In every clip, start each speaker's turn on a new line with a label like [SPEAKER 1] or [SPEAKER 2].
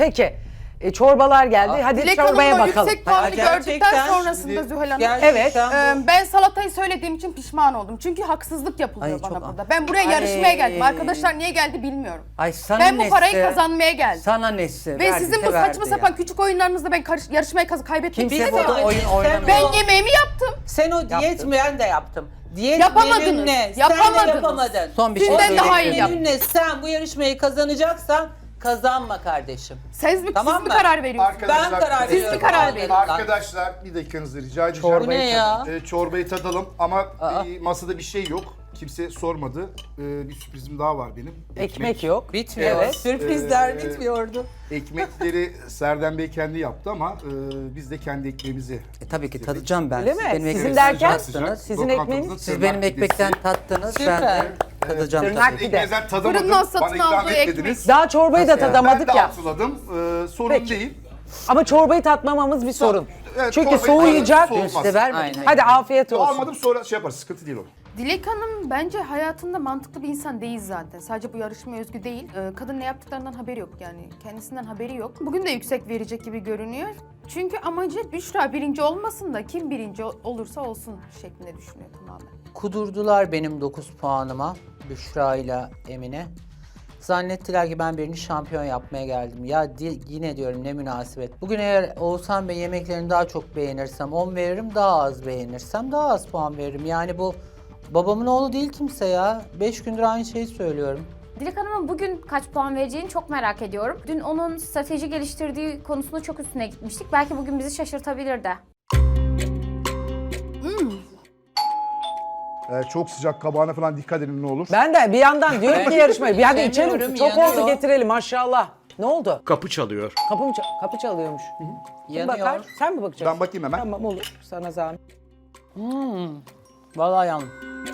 [SPEAKER 1] Peki. Çorbalar geldi. Hadi
[SPEAKER 2] Dilek
[SPEAKER 1] çorbaya
[SPEAKER 2] Hanım'ın
[SPEAKER 1] bakalım.
[SPEAKER 2] yüksek puanı
[SPEAKER 3] Gerçekten
[SPEAKER 2] gördükten sonrasında Zühal Hanım.
[SPEAKER 1] Evet.
[SPEAKER 2] Ben salatayı söylediğim için pişman oldum. Çünkü haksızlık yapılıyor
[SPEAKER 4] Ay,
[SPEAKER 2] bana
[SPEAKER 4] çok-
[SPEAKER 2] burada. Ben buraya yarışmaya geldim. Arkadaşlar niye geldi bilmiyorum.
[SPEAKER 4] Ay sana
[SPEAKER 2] Ben bu parayı
[SPEAKER 4] nesi?
[SPEAKER 2] kazanmaya geldim.
[SPEAKER 4] Sana nesi?
[SPEAKER 2] Ve
[SPEAKER 4] Verdi
[SPEAKER 2] sizin
[SPEAKER 4] de
[SPEAKER 2] bu
[SPEAKER 4] verdi
[SPEAKER 2] saçma
[SPEAKER 4] ya.
[SPEAKER 2] sapan küçük oyunlarınızda ben yarışmayı kaybettim.
[SPEAKER 4] Kimse burada oyun oynamıyor.
[SPEAKER 2] Ben yemeğimi yaptım.
[SPEAKER 3] Sen o diyet mi? Ben de yaptım. Diyet
[SPEAKER 2] Yapamadınız.
[SPEAKER 3] menünle sen
[SPEAKER 2] Yapamadınız.
[SPEAKER 3] de yapamadın.
[SPEAKER 4] Son bir şey
[SPEAKER 2] Sizden
[SPEAKER 4] söyleyeyim.
[SPEAKER 2] daha iyi yaptım.
[SPEAKER 3] Menünle sen bu yarışmayı kazanacaksan kazanma kardeşim.
[SPEAKER 2] Siz mi
[SPEAKER 3] Tamam mı?
[SPEAKER 2] karar veriyorsunuz?
[SPEAKER 3] Ben karar
[SPEAKER 2] Siz mi
[SPEAKER 3] veriyorum.
[SPEAKER 2] karar verin?
[SPEAKER 5] Arkadaşlar bir dakikanızı rica edeceğim.
[SPEAKER 3] Bu ne ya?
[SPEAKER 5] Çorbayı tadalım ama masada bir şey yok. Kimse sormadı. Bir sürprizim daha var benim.
[SPEAKER 1] Ekmek yok.
[SPEAKER 3] Bitmiyor.
[SPEAKER 1] Evet.
[SPEAKER 3] Sürprizler bitmiyordu.
[SPEAKER 5] Ekmekleri Serdem Bey kendi yaptı ama biz de kendi ekmeğimizi
[SPEAKER 4] Tabii ki tadacağım ben.
[SPEAKER 1] Öyle
[SPEAKER 4] Siz
[SPEAKER 1] mi?
[SPEAKER 4] benim
[SPEAKER 1] Sizin
[SPEAKER 4] ekmeğimi
[SPEAKER 1] derken?
[SPEAKER 4] tattınız.
[SPEAKER 1] Sizin ekmeğiniz?
[SPEAKER 4] Siz benim ekmekten tattınız. Ben de tadacağım
[SPEAKER 1] Tırnak
[SPEAKER 4] tabii.
[SPEAKER 1] bir de.
[SPEAKER 5] Ekmeğinizden tadamadım.
[SPEAKER 2] Fırından satın
[SPEAKER 5] Bana ikram
[SPEAKER 2] aldığı
[SPEAKER 5] etmediniz.
[SPEAKER 1] Daha çorbayı da
[SPEAKER 5] Ben
[SPEAKER 1] tadamadık
[SPEAKER 5] de
[SPEAKER 1] ya.
[SPEAKER 5] hatırladım. Sorun
[SPEAKER 1] Peki.
[SPEAKER 5] değil.
[SPEAKER 1] Ama çorbayı tatmamamız bir sorun.
[SPEAKER 5] Evet,
[SPEAKER 1] Çünkü
[SPEAKER 5] çorbayı
[SPEAKER 1] soğuyacak.
[SPEAKER 5] tadalım,
[SPEAKER 4] Size
[SPEAKER 5] soğumaz.
[SPEAKER 4] vermedim.
[SPEAKER 1] Hadi afiyet olsun.
[SPEAKER 5] Almadım sonra şey yaparız. Sıkıntı değil o.
[SPEAKER 2] Dilek Hanım bence hayatında mantıklı bir insan değil zaten. Sadece bu yarışmaya özgü değil. Kadın ne yaptıklarından haberi yok yani. Kendisinden haberi yok. Bugün de yüksek verecek gibi görünüyor. Çünkü amacı Büşra birinci olmasın da kim birinci olursa olsun şeklinde düşünüyor tamamen.
[SPEAKER 3] Kudurdular benim 9 puanıma. Büşra ile Emine. Zannettiler ki ben birini şampiyon yapmaya geldim. Ya yine diyorum ne münasebet. Bugün eğer Oğuzhan Bey yemeklerini daha çok beğenirsem 10 veririm, daha az beğenirsem daha az puan veririm. Yani bu babamın oğlu değil kimse ya. 5 gündür aynı şeyi söylüyorum.
[SPEAKER 6] Dilek Hanım'ın bugün kaç puan vereceğini çok merak ediyorum. Dün onun strateji geliştirdiği konusunda çok üstüne gitmiştik. Belki bugün bizi şaşırtabilir de.
[SPEAKER 5] Çok sıcak kabağına falan dikkat edin ne olur.
[SPEAKER 1] Ben de bir yandan diyorum ki yarışmayı. Bir hadi içelim.
[SPEAKER 3] Sevmiyorum,
[SPEAKER 1] Çok
[SPEAKER 3] yanıyor.
[SPEAKER 1] oldu getirelim maşallah. Ne oldu?
[SPEAKER 7] Kapı çalıyor.
[SPEAKER 1] Kapı çalıyormuş. Kim
[SPEAKER 3] Yanıyor.
[SPEAKER 1] bakar? Sen mi bakacaksın?
[SPEAKER 5] Ben bakayım hemen.
[SPEAKER 1] Tamam olur. Sana zahmet.
[SPEAKER 3] Vallahi yandım.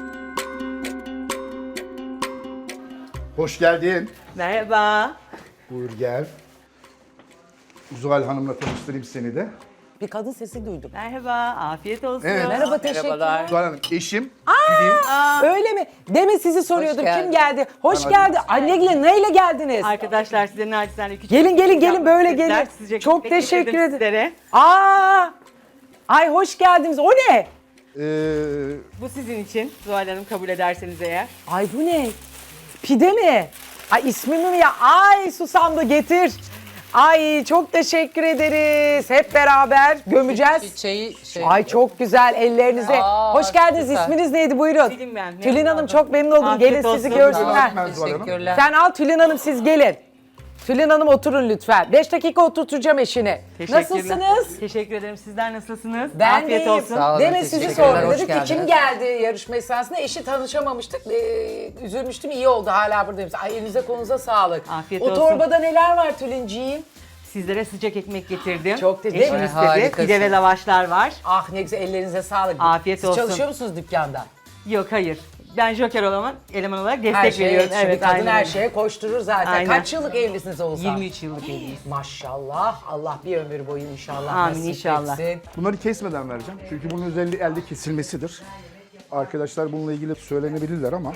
[SPEAKER 5] Hoş geldin.
[SPEAKER 8] Merhaba.
[SPEAKER 5] Buyur gel. Zuhal Hanım'la tanıştırayım seni de.
[SPEAKER 1] Bir kadın sesi duydum.
[SPEAKER 8] Merhaba. Afiyet olsun.
[SPEAKER 5] Evet.
[SPEAKER 1] Merhaba teşekkürler.
[SPEAKER 5] Zuhal Hanım eşim.
[SPEAKER 1] Öyle mi? Demin sizi soruyordum.
[SPEAKER 3] Hoş
[SPEAKER 1] Kim
[SPEAKER 3] geldin.
[SPEAKER 1] geldi? Hoş
[SPEAKER 5] Ben
[SPEAKER 1] geldi. Anne neyle geldiniz?
[SPEAKER 8] Arkadaşlar size naçizane küçük
[SPEAKER 1] Gelin böyle gelin.
[SPEAKER 8] Sıcak
[SPEAKER 1] Çok
[SPEAKER 8] ekmek
[SPEAKER 1] teşekkür
[SPEAKER 8] getirdim
[SPEAKER 1] ederim.
[SPEAKER 8] sizlere.
[SPEAKER 1] Aa! Ay hoş geldiniz. O ne?
[SPEAKER 8] Bu sizin için. Zuhal Hanım kabul ederseniz eğer.
[SPEAKER 1] Ay bu ne? Pide mi? Ay ismimi mi ya? Ay susamdı getir. Ay çok teşekkür ederiz. Hep beraber gömeceğiz.
[SPEAKER 3] Çiçeği şey.
[SPEAKER 1] Ay çok güzel ellerinize.
[SPEAKER 3] Aa,
[SPEAKER 1] Hoş geldiniz.
[SPEAKER 3] süper.
[SPEAKER 1] İsminiz neydi? Buyurun.
[SPEAKER 8] Tülin ben, memnun
[SPEAKER 1] Tülin Hanım
[SPEAKER 8] oldum.
[SPEAKER 1] çok memnun oldum.
[SPEAKER 8] Afiyet
[SPEAKER 1] Gelin sizi
[SPEAKER 8] olsun.
[SPEAKER 1] görsünler.
[SPEAKER 5] Ben Zuhal Hanım.
[SPEAKER 3] Teşekkürler.
[SPEAKER 1] Sen al Tülin Hanım siz gelin. Tülin Hanım oturun lütfen. 5 dakika oturtacağım eşini.
[SPEAKER 8] Teşekkürler.
[SPEAKER 1] Nasılsınız?
[SPEAKER 8] Teşekkür ederim. Sizler nasılsınız?
[SPEAKER 1] Ben
[SPEAKER 8] Afiyet
[SPEAKER 1] de iyiyim.
[SPEAKER 8] olsun.
[SPEAKER 3] Sağ olun,
[SPEAKER 1] Demin sizi
[SPEAKER 3] teşekkürler,
[SPEAKER 1] sordum.
[SPEAKER 3] hoş
[SPEAKER 1] Dedik ki kim
[SPEAKER 3] geldiniz.
[SPEAKER 1] geldi yarışma esnasında? Eşi tanışamamıştık. Üzülmüştüm. İyi oldu hala buradayım. Ay elinize kolunuza sağlık.
[SPEAKER 8] Afiyet
[SPEAKER 1] o
[SPEAKER 8] olsun.
[SPEAKER 1] torbada neler var Tülinciğim?
[SPEAKER 8] Sizlere sıcak ekmek getirdim.
[SPEAKER 1] Çok teşekkür
[SPEAKER 8] Eşim
[SPEAKER 1] ederim.
[SPEAKER 8] istedi.
[SPEAKER 3] Harikasın.
[SPEAKER 8] Pide ve lavaşlar var.
[SPEAKER 1] Ah ne güzel ellerinize sağlık.
[SPEAKER 8] Afiyet
[SPEAKER 1] Siz
[SPEAKER 8] olsun.
[SPEAKER 1] çalışıyor musunuz dükkanda?
[SPEAKER 8] Yok hayır. Ben joker eleman olarak
[SPEAKER 1] Her
[SPEAKER 8] destek
[SPEAKER 1] şeye
[SPEAKER 8] veriyorum.
[SPEAKER 1] yetişir. Bir kadın
[SPEAKER 8] aynen
[SPEAKER 1] her
[SPEAKER 8] öyle.
[SPEAKER 1] şeye koşturur zaten.
[SPEAKER 8] Aynen.
[SPEAKER 1] Kaç yıllık evlisiniz Oğuzhan?
[SPEAKER 8] 23 yıllık evliyiz.
[SPEAKER 1] Maşallah. Allah bir ömür boyu inşallah
[SPEAKER 8] Amin,
[SPEAKER 1] nasip
[SPEAKER 8] inşallah.
[SPEAKER 1] etsin.
[SPEAKER 5] Bunları kesmeden vereceğim. Çünkü bunun özelliği elde kesilmesidir. Arkadaşlar bununla ilgili söylenebilirler ama.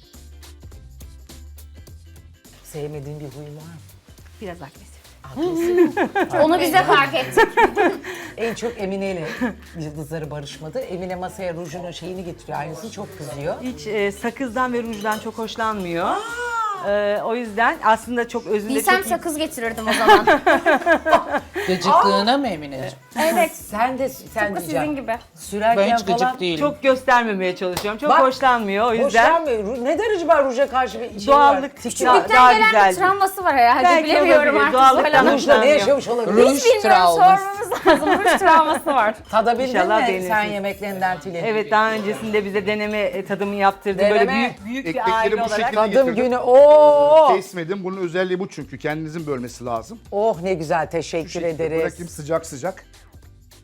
[SPEAKER 1] Sevmediğin bir huyun var mı?
[SPEAKER 8] Biraz agresif.
[SPEAKER 6] Onu bize fark ettik.
[SPEAKER 1] En çok Emine ile yıldızları barışmadı. Emine masaya rujunun şeyini getiriyor. Aynısını çok kızıyor.
[SPEAKER 8] Hiç sakızdan ve rujdan çok hoşlanmıyor. O yüzden aslında çok özünde
[SPEAKER 6] Bilsem
[SPEAKER 8] çok iyi.
[SPEAKER 6] sakız getirirdim o zaman.
[SPEAKER 3] Gıcıklığına mı Emineciğim?
[SPEAKER 6] Evet.
[SPEAKER 1] Sen
[SPEAKER 6] Tıpkı
[SPEAKER 1] diyeceksin.
[SPEAKER 6] sizin gibi.
[SPEAKER 1] Sürerken
[SPEAKER 3] Ben hiç
[SPEAKER 1] falan.
[SPEAKER 3] gıcık değilim.
[SPEAKER 8] Çok göstermemeye çalışıyorum. Çok
[SPEAKER 1] Bak,
[SPEAKER 8] hoşlanmıyor o yüzden.
[SPEAKER 1] Hoşlanmıyor. Ne derece var ruja karşı bir şey
[SPEAKER 8] Doğallık,
[SPEAKER 1] var? Tiki
[SPEAKER 8] daha-
[SPEAKER 1] var.
[SPEAKER 6] Küçüklükten gelen
[SPEAKER 8] güzel.
[SPEAKER 6] bir travması var herhalde.
[SPEAKER 8] Belki
[SPEAKER 6] Bilemiyorum
[SPEAKER 8] olabilir.
[SPEAKER 6] artık.
[SPEAKER 8] Doğallıktan
[SPEAKER 6] Zuhal Hanım.
[SPEAKER 1] Rujla ne
[SPEAKER 8] hoşlanmıyor.
[SPEAKER 1] yaşamış olabilir?
[SPEAKER 3] Ruj
[SPEAKER 6] Hiç bilmiyorum,
[SPEAKER 3] travması.
[SPEAKER 6] sormamız lazım. Ruj travması var.
[SPEAKER 1] Tadabildin
[SPEAKER 8] İnşallah
[SPEAKER 1] mi
[SPEAKER 8] beğenirsiniz.
[SPEAKER 1] sen yemeklerinden Tülin?
[SPEAKER 8] Evet daha öncesinde bize deneme tadımı yaptırdı.
[SPEAKER 1] Deneme.
[SPEAKER 8] Böyle büyük bir
[SPEAKER 5] Ekmekleri
[SPEAKER 8] aile
[SPEAKER 5] bu
[SPEAKER 8] olarak.
[SPEAKER 5] şekilde
[SPEAKER 1] Tadım
[SPEAKER 5] getirdim.
[SPEAKER 1] günü. Oo!
[SPEAKER 5] Kesmedim. Bunun özelliği bu çünkü. Kendinizin bölmesi lazım.
[SPEAKER 1] Oh ne güzel
[SPEAKER 5] Şu
[SPEAKER 1] teşekkür
[SPEAKER 5] şekilde
[SPEAKER 1] ederiz.
[SPEAKER 5] bırakayım sıcak sıcak.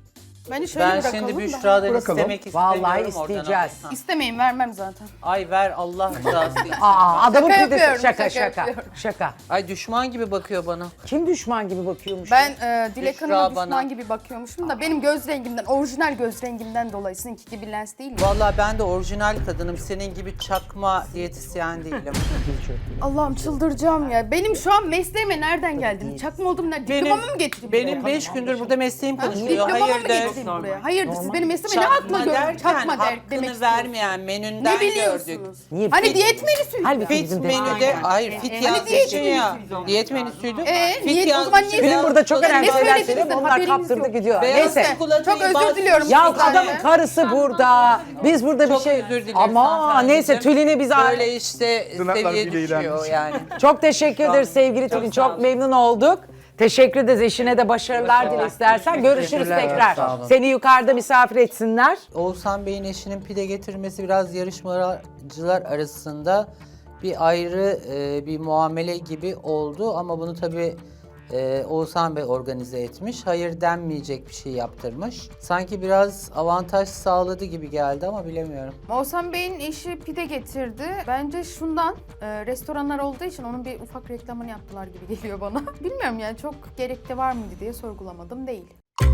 [SPEAKER 2] Bence şöyle
[SPEAKER 3] Ben
[SPEAKER 2] bırakalım
[SPEAKER 3] şimdi
[SPEAKER 2] da.
[SPEAKER 3] Büşra'dan
[SPEAKER 5] Bırakalım.
[SPEAKER 3] istemek istemiyorum.
[SPEAKER 1] Vallahi
[SPEAKER 3] oradan
[SPEAKER 1] isteyeceğiz.
[SPEAKER 3] alsam.
[SPEAKER 2] İstemeyin, vermem zaten.
[SPEAKER 3] Ay ver Allah rızası için.
[SPEAKER 1] Aa, adamın
[SPEAKER 2] Şaka
[SPEAKER 1] pidesi.
[SPEAKER 2] yapıyorum,
[SPEAKER 1] Şaka
[SPEAKER 2] şaka
[SPEAKER 1] şaka.
[SPEAKER 2] yapıyorum.
[SPEAKER 1] Şaka.
[SPEAKER 3] Ay düşman gibi bakıyor bana.
[SPEAKER 1] Kim düşman gibi bakıyormuş?
[SPEAKER 2] Ben Dilek
[SPEAKER 3] Büşra
[SPEAKER 2] Hanım'a düşman
[SPEAKER 3] bana-
[SPEAKER 2] gibi bakıyormuşum da benim göz rengimden, orijinal göz rengimden dolayı sizinki gibi lens değil mi?
[SPEAKER 3] Vallahi ben de orijinal kadınım. Senin gibi çakma diyetisyen değilim.
[SPEAKER 2] Allah'ım çıldıracağım ya. Benim şu an mesleğime nereden geldim? Çakma oldum nerede? Diplomamı mı getireyim?
[SPEAKER 3] benim
[SPEAKER 2] buraya?
[SPEAKER 3] 5 gündür burada mesleğim konuşuyor.
[SPEAKER 2] Diplomamı mı
[SPEAKER 3] Hayırdır?
[SPEAKER 2] getireyim buraya? Hayırdır siz benim mesleğime ne hakla
[SPEAKER 3] Çakma
[SPEAKER 2] gördün?
[SPEAKER 3] derken
[SPEAKER 2] Çakma demek
[SPEAKER 3] hakkını
[SPEAKER 2] istiyorsunuz.
[SPEAKER 3] vermeyen menünden
[SPEAKER 2] Ne biliyorsunuz?
[SPEAKER 3] gördük.
[SPEAKER 1] Niye?
[SPEAKER 2] Hani diyet menüsü.
[SPEAKER 1] Halbuki
[SPEAKER 3] Fit
[SPEAKER 1] bizim
[SPEAKER 3] menüde, hayır fit
[SPEAKER 2] Hani
[SPEAKER 3] yazmışsın
[SPEAKER 2] diyet
[SPEAKER 3] ya.
[SPEAKER 2] menüsüydü o.
[SPEAKER 3] Diyet menüsüydü.
[SPEAKER 2] Niyet- o zaman niye-
[SPEAKER 1] Film burada çok
[SPEAKER 2] Ne
[SPEAKER 1] önemli şeyler
[SPEAKER 2] söylediniz
[SPEAKER 1] söylüyor.
[SPEAKER 2] de
[SPEAKER 1] Onlar
[SPEAKER 2] haberiniz
[SPEAKER 1] kaptırdı
[SPEAKER 2] yok.
[SPEAKER 1] gidiyor.
[SPEAKER 3] Beyaz
[SPEAKER 1] Neyse.
[SPEAKER 3] çikolatayı
[SPEAKER 2] Çok özür
[SPEAKER 3] bastırmış
[SPEAKER 2] diliyorum.
[SPEAKER 1] Ya
[SPEAKER 2] sizden
[SPEAKER 1] adamın
[SPEAKER 2] ya.
[SPEAKER 1] karısı burada. Biz burada bir
[SPEAKER 3] Çok
[SPEAKER 1] şey...
[SPEAKER 3] özür dileriz
[SPEAKER 1] Ama
[SPEAKER 3] hanımefendiciğim.
[SPEAKER 1] neyse Tülin'i biz...
[SPEAKER 3] Böyle işte
[SPEAKER 5] Tırnaklar
[SPEAKER 3] seviye
[SPEAKER 5] bile
[SPEAKER 3] düşüyor
[SPEAKER 5] iğrenmiş.
[SPEAKER 3] yani.
[SPEAKER 1] Çok teşekkür ederiz sevgili Tülin.
[SPEAKER 3] sağ
[SPEAKER 1] Çok
[SPEAKER 3] olun.
[SPEAKER 1] memnun olduk. Teşekkür ederiz. Eşine de başarılar dile istersen. Görüşürüz
[SPEAKER 4] Teşekkürler,
[SPEAKER 1] tekrar.
[SPEAKER 4] sağ olun.
[SPEAKER 1] Seni yukarıda misafir etsinler.
[SPEAKER 3] Oğuzhan Bey'in eşinin pide getirmesi biraz yarışmacılar arasında bir ayrı bir muamele gibi oldu ama bunu tabii Oğuzhan Bey organize etmiş. Hayır denmeyecek bir şey yaptırmış. Sanki biraz avantaj sağladı gibi geldi ama bilemiyorum.
[SPEAKER 2] Oğuzhan Bey'in eşi pide getirdi. Bence şundan, restoranlar olduğu için onun bir ufak reklamını yaptılar gibi geliyor bana. Bilmiyorum yani çok gerekli var mıydı diye sorgulamadım değil.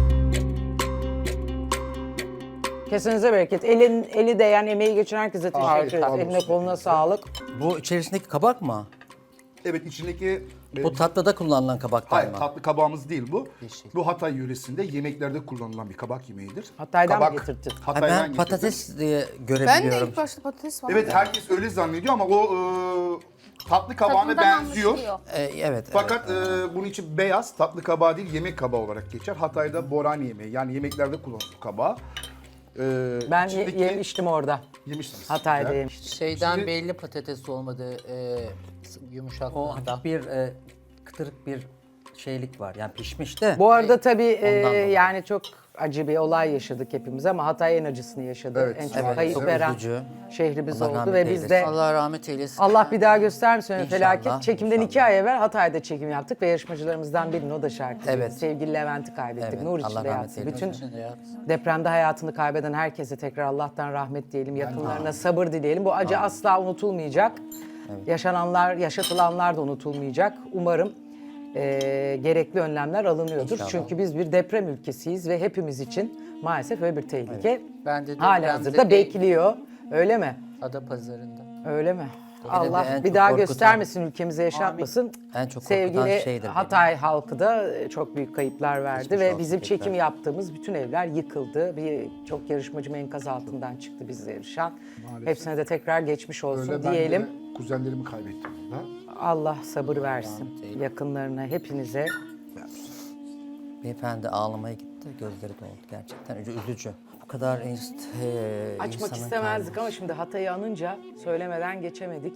[SPEAKER 1] Kesinize bereket. Eli değen, emeği geçen herkese teşekkür
[SPEAKER 5] Afiyet
[SPEAKER 1] ederiz.
[SPEAKER 5] olsun.
[SPEAKER 1] Eline koluna sağlık.
[SPEAKER 4] Bu içerisindeki kabak mı?
[SPEAKER 5] Evet içindeki...
[SPEAKER 4] Bu tatlıda kullanılan kabaktan
[SPEAKER 5] Hayır
[SPEAKER 4] mı?
[SPEAKER 5] tatlı kabağımız değil bu.
[SPEAKER 3] Yeşil.
[SPEAKER 5] Bu Hatay yöresinde yemeklerde kullanılan bir kabak yemeğidir.
[SPEAKER 1] Hatay'dan mı
[SPEAKER 5] Kabak,
[SPEAKER 1] getirdin?
[SPEAKER 4] Ha,
[SPEAKER 5] Hatay'dan
[SPEAKER 4] ben
[SPEAKER 5] getirdim.
[SPEAKER 4] patates diye
[SPEAKER 2] Ben de
[SPEAKER 4] görebiliyorum.
[SPEAKER 2] ilk başta patates var.
[SPEAKER 5] Evet herkes öyle zannediyor ama o tatlı kabağına
[SPEAKER 6] Tadından
[SPEAKER 5] benziyor.
[SPEAKER 6] anlaşılıyor.
[SPEAKER 4] Evet.
[SPEAKER 5] Fakat bunun için beyaz tatlı kabağı değil yemek kabağı olarak geçer. Hatay'da boran yemeği yani yemeklerde kullanılan kabağı.
[SPEAKER 1] Ben
[SPEAKER 5] içindeki-
[SPEAKER 1] yemiştim orada.
[SPEAKER 5] yemişsiniz.
[SPEAKER 1] Hatay'da
[SPEAKER 5] Güzel.
[SPEAKER 1] yemiştim.
[SPEAKER 3] Şeyden
[SPEAKER 5] Şimdi-
[SPEAKER 3] belli patates olmadı
[SPEAKER 4] O
[SPEAKER 3] yumuşaklığında.
[SPEAKER 4] hafif bir kıtırık bir şeylik var. Yani pişmiş de.
[SPEAKER 1] Bu arada tabii
[SPEAKER 4] Ondan dolayı.
[SPEAKER 1] yani çok acı bir olay yaşadık hepimiz ama Hatay en acısını yaşadı.
[SPEAKER 5] Evet,
[SPEAKER 1] En çok
[SPEAKER 5] evet,
[SPEAKER 1] kayıp
[SPEAKER 5] çok
[SPEAKER 1] veren
[SPEAKER 4] üzücü.
[SPEAKER 1] şehrimiz
[SPEAKER 4] Allah
[SPEAKER 1] oldu
[SPEAKER 4] rahmet
[SPEAKER 1] ve biz de
[SPEAKER 4] eylesin.
[SPEAKER 3] Allah rahmet eylesin.
[SPEAKER 1] Allah bir daha göstermesin öyle
[SPEAKER 4] İnşallah,
[SPEAKER 1] felaket. Çekimden
[SPEAKER 4] inşallah.
[SPEAKER 1] 2 ay evvel Hatay'da çekim yaptık ve yarışmacılarımızdan birinin o da şarkıcı.
[SPEAKER 4] Evet.
[SPEAKER 1] Sevgili Levent'i kaybettik.
[SPEAKER 4] Evet,
[SPEAKER 1] Nur
[SPEAKER 4] Allah
[SPEAKER 1] içinde
[SPEAKER 4] rahmet
[SPEAKER 1] yatsın.
[SPEAKER 4] eylesin.
[SPEAKER 1] Bütün
[SPEAKER 3] Ya.
[SPEAKER 1] depremde hayatını kaybeden herkese tekrar Allah'tan rahmet diyelim. Yakınlarına sabır dileyelim. Bu acı asla unutulmayacak. Yaşananlar, yaşatılanlar da unutulmayacak. Umarım gerekli önlemler alınıyordur.
[SPEAKER 4] İnşallah.
[SPEAKER 1] Çünkü biz bir deprem ülkesiyiz ve hepimiz için maalesef öyle bir tehlike
[SPEAKER 3] Ben de
[SPEAKER 1] hala
[SPEAKER 3] depremde
[SPEAKER 1] hazırda bekliyor. Öyle mi?
[SPEAKER 3] Adapazarı'nda.
[SPEAKER 1] Öyle mi?
[SPEAKER 4] de
[SPEAKER 1] Allah
[SPEAKER 4] en
[SPEAKER 1] bir
[SPEAKER 4] çok
[SPEAKER 1] daha
[SPEAKER 4] korkutan-
[SPEAKER 1] göstermesin, ülkemize yaşatmasın.
[SPEAKER 4] En çok korkutan
[SPEAKER 1] Sevgili
[SPEAKER 4] şeydir
[SPEAKER 1] Hatay halkı da çok büyük kayıplar verdi
[SPEAKER 4] Geçmiş
[SPEAKER 1] ve
[SPEAKER 4] olsun
[SPEAKER 1] bizim
[SPEAKER 4] tekrar.
[SPEAKER 1] çekim yaptığımız bütün evler yıkıldı. Çok yarışmacım enkaz altından çıktı bizle yarışan. Hepsine de tekrar geçmiş olsun
[SPEAKER 5] Öyle ben
[SPEAKER 1] diyelim.
[SPEAKER 5] de kuzenlerimi kaybettim burada.
[SPEAKER 1] Allah sabır versin yakınlarına, hepinize.
[SPEAKER 4] Beyefendi ağlamaya gitti. Gözleri doldu gerçekten. Üzücü. Bu kadar
[SPEAKER 1] Açmak
[SPEAKER 4] insanın
[SPEAKER 1] istemezdik ama şimdi Hatay'ı anınca söylemeden geçemedik.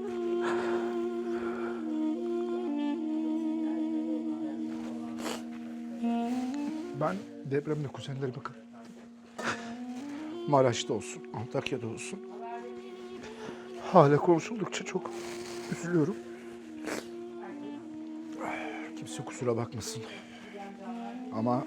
[SPEAKER 5] Ben depremde kuzenlerimi kaybettim. Maraş'ta olsun, Antakya'da olsun. Hala konuşuldukça çok üzülüyorum. Kimse kusura bakmasın. Ama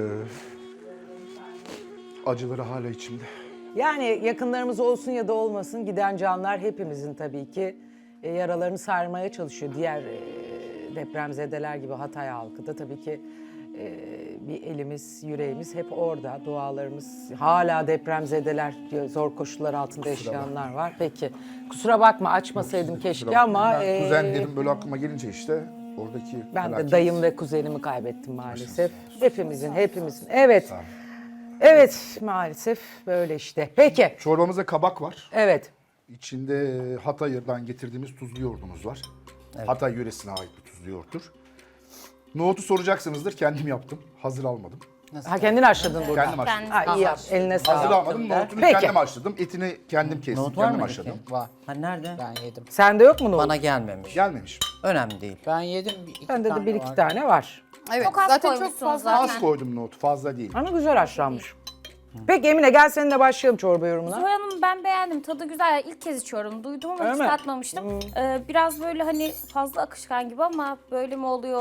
[SPEAKER 5] acıları hala içimde.
[SPEAKER 1] Yani yakınlarımız olsun ya da olmasın giden canlar hepimizin tabii ki yaralarını sarmaya çalışıyor. Diğer depremzedeler gibi Hatay halkı da tabii ki bir elimiz, yüreğimiz hep orada. Dualarımız hala depremzedeler, zor koşullar altında yaşayanlar var. Peki kusura bakma açmasaydım keşke ama
[SPEAKER 5] Ben kuzenlerim böyle aklıma gelince işte oradaki
[SPEAKER 1] ben de
[SPEAKER 5] felaket.
[SPEAKER 1] dayım ve kuzenimi kaybettim maalesef. Hepimizin. Evet. Evet maalesef böyle işte. Peki.
[SPEAKER 5] Çorbamızda kabak var.
[SPEAKER 1] Evet.
[SPEAKER 5] İçinde Hatay'dan getirdiğimiz tuzlu yoğurdumuz var. Hatay yöresine ait bir tuzlu yoğurttur. Nohutu soracaksınızdır. Kendim yaptım. Hazır almadım.
[SPEAKER 1] Ha kendini haşladın burada.
[SPEAKER 5] Kendim haşladım.
[SPEAKER 1] Ha iyi yap. Eline
[SPEAKER 5] Hazır
[SPEAKER 1] sağlık.
[SPEAKER 5] almadım. Nohutunu
[SPEAKER 1] Peki.
[SPEAKER 5] kendim haşladım. Etini kendim kestim.
[SPEAKER 4] Nohut var
[SPEAKER 5] kendim
[SPEAKER 4] mı
[SPEAKER 5] haşladım.
[SPEAKER 4] peki?
[SPEAKER 3] Var.
[SPEAKER 4] Ha nerede?
[SPEAKER 3] Ben yedim.
[SPEAKER 1] Sende yok mu nohut?
[SPEAKER 4] Bana gelmemiş.
[SPEAKER 5] Gelmemiş.
[SPEAKER 4] Önemli değil.
[SPEAKER 3] Ben yedim. İki
[SPEAKER 1] Bende de
[SPEAKER 3] tane
[SPEAKER 1] bir iki
[SPEAKER 3] var.
[SPEAKER 1] tane var.
[SPEAKER 2] Evet,
[SPEAKER 6] Çok az
[SPEAKER 2] zaten çok
[SPEAKER 6] koymuşsunuz
[SPEAKER 2] fazla.
[SPEAKER 6] zaten.
[SPEAKER 5] Az koydum nohutu. Fazla değil.
[SPEAKER 1] Ama güzel haşlanmış. Peki Emine gel seninle başlayalım çorba yorumuna.
[SPEAKER 6] Zoya Hanım ben beğendim. Tadı güzel. İlk kez içiyorum. Duydum ama
[SPEAKER 1] Öyle
[SPEAKER 6] hiç
[SPEAKER 1] mi?
[SPEAKER 6] tatmamıştım. Biraz böyle hani fazla akışkan gibi ama böyle mi oluyor?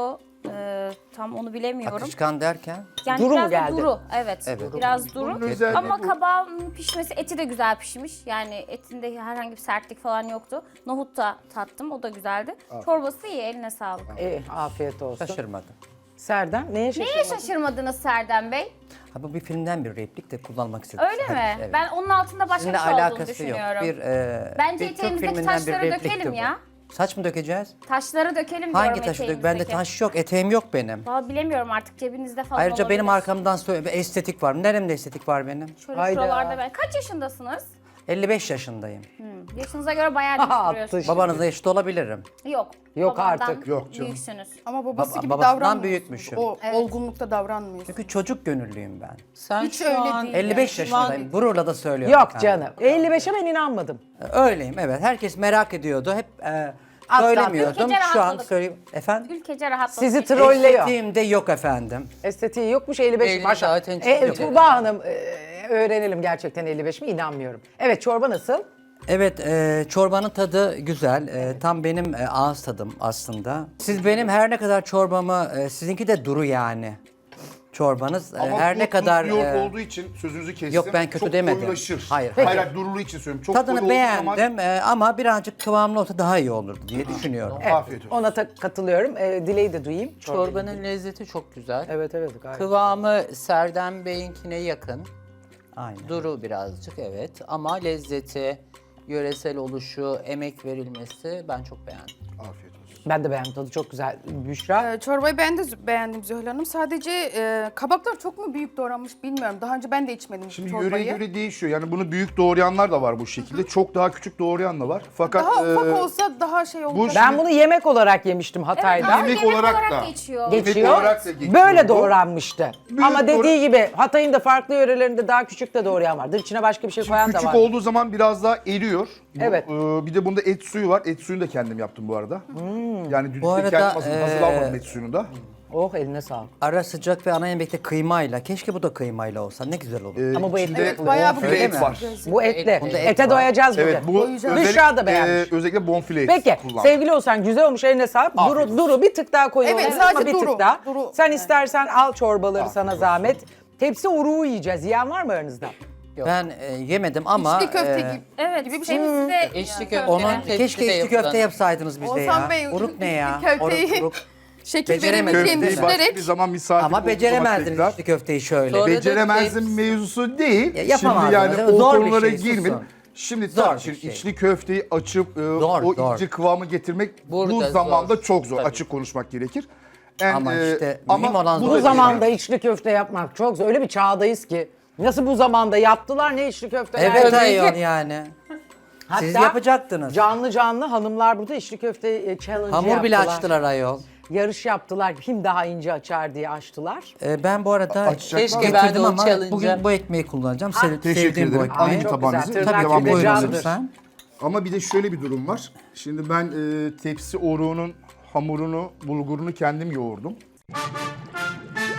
[SPEAKER 6] Tam onu bilemiyorum.
[SPEAKER 4] Akışkan derken
[SPEAKER 6] Yani
[SPEAKER 1] Duru mu
[SPEAKER 6] biraz da
[SPEAKER 1] geldi?
[SPEAKER 6] duru. Evet,
[SPEAKER 4] Evet.
[SPEAKER 6] biraz duru.
[SPEAKER 5] Bunun özelliği
[SPEAKER 6] Ama
[SPEAKER 5] bu.
[SPEAKER 6] kabağın pişmesi, eti de güzel pişmiş. Yani etinde herhangi bir sertlik falan yoktu. Nohut da tattım, o da güzeldi. Çorbası iyi, eline sağlık.
[SPEAKER 1] Afiyet olsun.
[SPEAKER 4] şaşırmadım.
[SPEAKER 1] Serdar neye şaşırmadın?
[SPEAKER 6] Neye şaşırmadınız Serdar Bey?
[SPEAKER 4] Ha, bu bir filmden bir replik de kullanmak istedim.
[SPEAKER 6] Öyle mi?
[SPEAKER 4] Evet.
[SPEAKER 6] Ben onun altında başka
[SPEAKER 4] Sizinle
[SPEAKER 6] bir şey olduğunu
[SPEAKER 4] alakası yok.
[SPEAKER 6] düşünüyorum.
[SPEAKER 4] bir
[SPEAKER 6] Bence
[SPEAKER 4] Türk
[SPEAKER 6] eteğimizdeki
[SPEAKER 4] filminden bir
[SPEAKER 6] taşları
[SPEAKER 4] replikti
[SPEAKER 6] dökelim
[SPEAKER 4] bu.
[SPEAKER 6] ya.
[SPEAKER 4] Saç mı dökeceğiz?
[SPEAKER 6] Taşları dökelim
[SPEAKER 4] Hangi
[SPEAKER 6] diyorum
[SPEAKER 4] taşı dök? Bende
[SPEAKER 6] eteğimizdeki.
[SPEAKER 4] taş yok, eteğim yok benim.
[SPEAKER 6] Vallahi bilemiyorum artık, cebinizde falan
[SPEAKER 4] Ayrıca benim
[SPEAKER 6] olabilir.
[SPEAKER 4] arkamdan söyle estetik var. Neremde estetik var benim?
[SPEAKER 6] Şöyle
[SPEAKER 1] Hayda.
[SPEAKER 6] şuralarda ben. Kaç yaşındasınız?
[SPEAKER 4] 55 yaşındayım.
[SPEAKER 6] Yaşınıza göre bayağı
[SPEAKER 1] Aha,
[SPEAKER 6] değiştiriyorsunuz.
[SPEAKER 4] Babanızla eşit olabilirim.
[SPEAKER 6] Yok.
[SPEAKER 1] Yok
[SPEAKER 6] babandan
[SPEAKER 1] artık.
[SPEAKER 5] Yok canım.
[SPEAKER 6] Büyüksünüz.
[SPEAKER 2] Ama babası gibi
[SPEAKER 4] babasından
[SPEAKER 2] davranmıyor.
[SPEAKER 4] büyükmüşüm.
[SPEAKER 2] O olgunlukta davranmıyor.
[SPEAKER 4] Çünkü çocuk gönüllüyüm ben.
[SPEAKER 3] Sen
[SPEAKER 2] Hiç
[SPEAKER 3] şu
[SPEAKER 2] öyle
[SPEAKER 3] an
[SPEAKER 2] değil.
[SPEAKER 4] 55 yaşındayım. Gururla da söylüyorum.
[SPEAKER 1] Yok
[SPEAKER 4] efendim.
[SPEAKER 1] canım. 55'e ben inanmadım.
[SPEAKER 4] Öyleyim, evet. Herkes merak ediyordu. Hep söylemiyordum.
[SPEAKER 6] Ülkece
[SPEAKER 4] Şu an
[SPEAKER 6] rahatladık.
[SPEAKER 4] söyleyeyim. Efendim?
[SPEAKER 6] Ülkece rahatladık.
[SPEAKER 1] Sizi trollüyor.
[SPEAKER 4] Estetiğim de yok efendim.
[SPEAKER 1] Estetiği yokmuş 55.
[SPEAKER 3] Belli
[SPEAKER 1] Maşallah.
[SPEAKER 3] zaten çok
[SPEAKER 1] Tuğba Hanım öğrenelim gerçekten 55 mi? İnanmıyorum. Evet, çorba nasıl?
[SPEAKER 4] Evet, çorbanın tadı güzel. Tam benim ağız tadım aslında. Siz benim her ne kadar çorbamı, sizinki de duru yani. Çorbanız
[SPEAKER 5] Ama
[SPEAKER 4] her
[SPEAKER 5] bu
[SPEAKER 4] ne kadar
[SPEAKER 5] tuzlu yoğurt olduğu için sözünüzü kestim.
[SPEAKER 4] Yok, ben kötü
[SPEAKER 5] çok
[SPEAKER 4] demedim.
[SPEAKER 5] koyulaşır.
[SPEAKER 4] Hayır,
[SPEAKER 5] Hayır,
[SPEAKER 4] hayır.
[SPEAKER 5] duruluğu için söylüyorum. Çok
[SPEAKER 4] tadını
[SPEAKER 5] koyu olduğu zaman-
[SPEAKER 4] beğendim ama birazcık kıvamlı olsa daha iyi olurdu diye düşünüyorum.
[SPEAKER 5] Afiyet olsun.
[SPEAKER 1] Ona katılıyorum. Dileği de duyayım.
[SPEAKER 3] çorbanın lezzeti çok güzel.
[SPEAKER 1] Evet evet gayet.
[SPEAKER 3] Kıvamı Serdem Bey'inkine yakın.
[SPEAKER 4] Aynen.
[SPEAKER 3] Duru birazcık evet ama lezzeti, yöresel oluşu, emek verilmesi ben çok beğendim.
[SPEAKER 5] Afiyet olsun.
[SPEAKER 1] Ben de beğendim, tadı çok güzel. Büşra.
[SPEAKER 2] Çorbayı beğendim Zühal Hanım. Sadece kabaklar çok mu büyük doğranmış bilmiyorum. Daha önce ben de içmedim
[SPEAKER 5] Şimdi
[SPEAKER 2] çorbayı.
[SPEAKER 5] yöreye göre değişiyor. Yani bunu büyük doğrayanlar da var bu şekilde. Çok daha küçük doğrayan da var. Fakat
[SPEAKER 2] Daha ufak
[SPEAKER 5] e,
[SPEAKER 2] olsa daha şey olacak.
[SPEAKER 1] Ben bunu yemek olarak yemiştim Hatay'da.
[SPEAKER 6] ama
[SPEAKER 5] yemek
[SPEAKER 6] yemek
[SPEAKER 5] olarak
[SPEAKER 6] olarak
[SPEAKER 5] da
[SPEAKER 6] geçiyor.
[SPEAKER 5] Yemek
[SPEAKER 1] Geçiyor.
[SPEAKER 5] olarak da geçiyor
[SPEAKER 1] Böyle
[SPEAKER 5] bu.
[SPEAKER 1] doğranmıştı.
[SPEAKER 5] Büyük
[SPEAKER 1] Ama dediği
[SPEAKER 5] doğra-
[SPEAKER 1] gibi Hatay'ın da farklı yörelerinde daha küçük de doğrayan vardır. İçine başka bir şey koyan da
[SPEAKER 5] Küçük
[SPEAKER 1] var.
[SPEAKER 5] olduğu zaman biraz daha eriyor.
[SPEAKER 1] Evet.
[SPEAKER 5] Bir de bunda et suyu var. Et suyunu da kendim yaptım bu arada. Yani
[SPEAKER 4] Bu
[SPEAKER 5] düdükte
[SPEAKER 4] arada,
[SPEAKER 5] kendim hazırlamadım et suyunu da.
[SPEAKER 1] Oh, eline sağlık.
[SPEAKER 4] Ara sıcak ve ana yemekte kıymayla. Keşke bu da kıymayla olsa. Ne güzel olur.
[SPEAKER 1] Ama bu etli.
[SPEAKER 5] içinde
[SPEAKER 2] Evet, bayağı bu
[SPEAKER 5] bonfile
[SPEAKER 4] Öyle
[SPEAKER 5] et
[SPEAKER 4] mi?
[SPEAKER 5] var.
[SPEAKER 1] Bu etli.
[SPEAKER 4] Bunda et
[SPEAKER 1] Ete
[SPEAKER 4] var.
[SPEAKER 1] doyacağız
[SPEAKER 5] Evet
[SPEAKER 1] bugün.
[SPEAKER 5] bu
[SPEAKER 1] Büşra da beğenmiş.
[SPEAKER 5] özellikle bonfile et
[SPEAKER 1] Peki
[SPEAKER 5] kullandım.
[SPEAKER 1] sevgili olsan güzel olmuş, eline sağlık.
[SPEAKER 5] Afiyet
[SPEAKER 1] Duru bir tık daha koyu
[SPEAKER 2] Evet,
[SPEAKER 1] olabilir
[SPEAKER 2] sadece
[SPEAKER 1] ama bir
[SPEAKER 2] duru,
[SPEAKER 1] tık daha.
[SPEAKER 2] duru.
[SPEAKER 1] Sen istersen al çorbaları,
[SPEAKER 5] Afiyet
[SPEAKER 1] sana
[SPEAKER 5] olsun.
[SPEAKER 1] zahmet. Tepsi uruğu yiyeceğiz. Yiyen var mı aranızda?
[SPEAKER 4] Ben yemedim ama
[SPEAKER 2] İçli köfte gibi.
[SPEAKER 6] Evet,
[SPEAKER 2] gibi bir şey.
[SPEAKER 6] temizli de
[SPEAKER 3] İçli köfte.
[SPEAKER 4] onun
[SPEAKER 3] Tepside
[SPEAKER 4] keşke içli
[SPEAKER 3] yapılan.
[SPEAKER 4] köfte yapsaydınız bize
[SPEAKER 2] Oğuzhan
[SPEAKER 4] ya.
[SPEAKER 2] Bey,
[SPEAKER 4] Uruk ne ya?
[SPEAKER 2] içli köfteyi-
[SPEAKER 4] Uruk.
[SPEAKER 2] Şekil
[SPEAKER 4] Beceremedim.
[SPEAKER 2] verebileceğini
[SPEAKER 5] Köfteyi başka
[SPEAKER 2] düşünerek
[SPEAKER 5] bir zaman misafir
[SPEAKER 4] Ama
[SPEAKER 5] olduğu zaman
[SPEAKER 4] beceremezdiniz
[SPEAKER 5] tekrar.
[SPEAKER 4] içli köfteyi şöyle.
[SPEAKER 3] Sonra-
[SPEAKER 5] Beceremezdim
[SPEAKER 3] Tepsi-
[SPEAKER 5] mevzusu değil.
[SPEAKER 4] Ya yapamazdınız,
[SPEAKER 5] Şimdi yani
[SPEAKER 4] değil mi?
[SPEAKER 5] o
[SPEAKER 4] Zor bir
[SPEAKER 5] konulara
[SPEAKER 4] şey,
[SPEAKER 5] girmeyin.
[SPEAKER 4] susun.
[SPEAKER 5] Şimdi
[SPEAKER 4] Zor
[SPEAKER 5] tabii
[SPEAKER 4] bir
[SPEAKER 5] şimdi
[SPEAKER 4] şey.
[SPEAKER 5] içli köfteyi açıp
[SPEAKER 4] Zor,
[SPEAKER 5] o
[SPEAKER 4] zor.
[SPEAKER 5] ince kıvamı getirmek bu
[SPEAKER 3] Burada
[SPEAKER 5] zamanda
[SPEAKER 3] zor.
[SPEAKER 5] çok zor.
[SPEAKER 3] Tabii.
[SPEAKER 5] Açık konuşmak gerekir.
[SPEAKER 4] Ama işte mühim olan
[SPEAKER 5] bu
[SPEAKER 4] zor
[SPEAKER 1] Bu
[SPEAKER 5] da
[SPEAKER 4] bir
[SPEAKER 1] zamanda
[SPEAKER 5] değil.
[SPEAKER 1] içli köfte yapmak çok zor. Öyle bir çağdayız ki. Nasıl bu zamanda yaptılar, ne içli köfte?
[SPEAKER 4] Evet
[SPEAKER 1] nerede?
[SPEAKER 4] ayol yani. Siz
[SPEAKER 1] Hatta
[SPEAKER 4] yapacaktınız.
[SPEAKER 1] Canlı hanımlar burada içli köfte challenge
[SPEAKER 4] Hamur bile
[SPEAKER 1] yaptılar.
[SPEAKER 4] açtılar ayol.
[SPEAKER 1] Yarış yaptılar. Kim daha ince açar diye açtılar.
[SPEAKER 4] Ben bu arada
[SPEAKER 5] Açacak
[SPEAKER 3] Keşke
[SPEAKER 5] var.
[SPEAKER 3] ben de
[SPEAKER 4] getirdim
[SPEAKER 3] o
[SPEAKER 4] ama
[SPEAKER 3] challenge'a-
[SPEAKER 4] bugün bu ekmeği kullanacağım.
[SPEAKER 5] Teşekkür
[SPEAKER 4] Sevdiğim bu
[SPEAKER 5] ederim.
[SPEAKER 4] ekmeği.
[SPEAKER 5] Alayım
[SPEAKER 1] Çok
[SPEAKER 5] tabağınızı.
[SPEAKER 1] güzel. Tırnak
[SPEAKER 5] Devam
[SPEAKER 1] gibi
[SPEAKER 5] edelim
[SPEAKER 1] candır.
[SPEAKER 4] Lütfen.
[SPEAKER 5] Ama bir de şöyle bir durum var. Şimdi ben tepsi oruğunun hamurunu, bulgurunu kendim yoğurdum.